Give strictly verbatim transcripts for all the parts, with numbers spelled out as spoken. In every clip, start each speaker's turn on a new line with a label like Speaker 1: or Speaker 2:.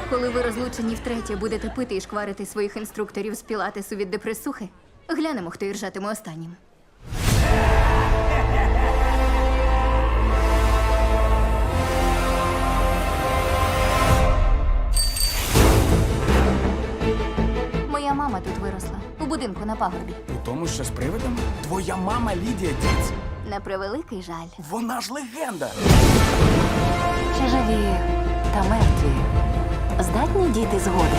Speaker 1: Коли ви розлучені втретє будете пити і шкварити своїх інструкторів з пілатесу від депресухи, глянемо, хто іржатиме останнім. Моя мама тут виросла, у будинку на пагорбі.
Speaker 2: У тому, що з привидами? Твоя мама Лідія Діц.
Speaker 1: На превеликий жаль.
Speaker 2: Вона ж легенда.
Speaker 3: Чи живі та мертві здатні діти згоди?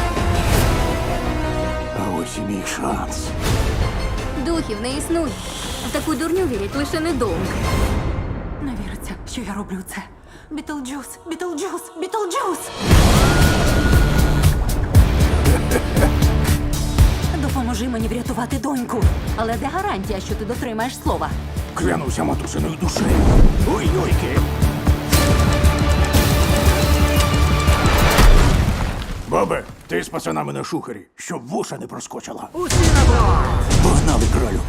Speaker 4: А ось і мій шанс.
Speaker 1: Духів не існує. В таку дурню вірять лише недовго.
Speaker 3: Не віриться, що я роблю це. Бітлджус, Бітлджус, Бітлджус! Допоможи мені врятувати доньку. Але де гарантія, що ти дотримаєш слова?
Speaker 4: Клянуся матусиною душею. Ой-йойки. Бабе, ти з пацанами на шухері, щоб вуша не проскочила.
Speaker 2: Усі на борт!
Speaker 4: Погнали, кралю.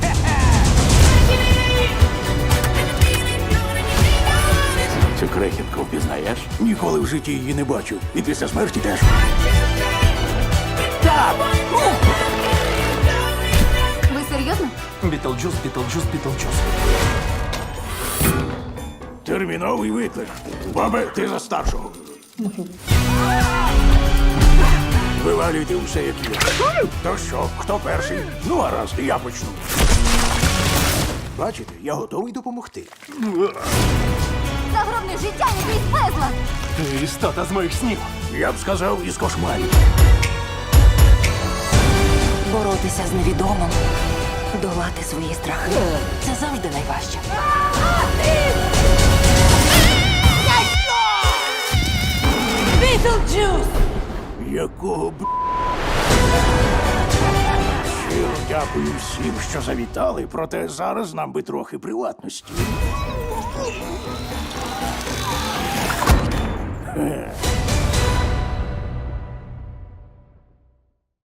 Speaker 4: Цю крехітку впізнаєш? Ніколи в житті її не бачив. І після смерті теж. Так!
Speaker 1: Ви серйозно?
Speaker 2: Бітлджус, Бітлджус, Бітлджус.
Speaker 4: Терміновий виклик. Бабе, ти за старшого. Вивалюйте усе, як є. То що, хто перший? Ну, гаразд, я почну. Бачите, я готовий допомогти.
Speaker 1: Загробне життя не крізь безлад!
Speaker 2: Ти істота з моїх снів.
Speaker 4: Я б сказав, із кошмарів.
Speaker 3: Боротися з невідомим, долати свої страхи. Це завжди найважче. Бітлджус!
Speaker 4: Якого б... Щиро дякую всім, що завітали, проте зараз нам би трохи приватності. Е.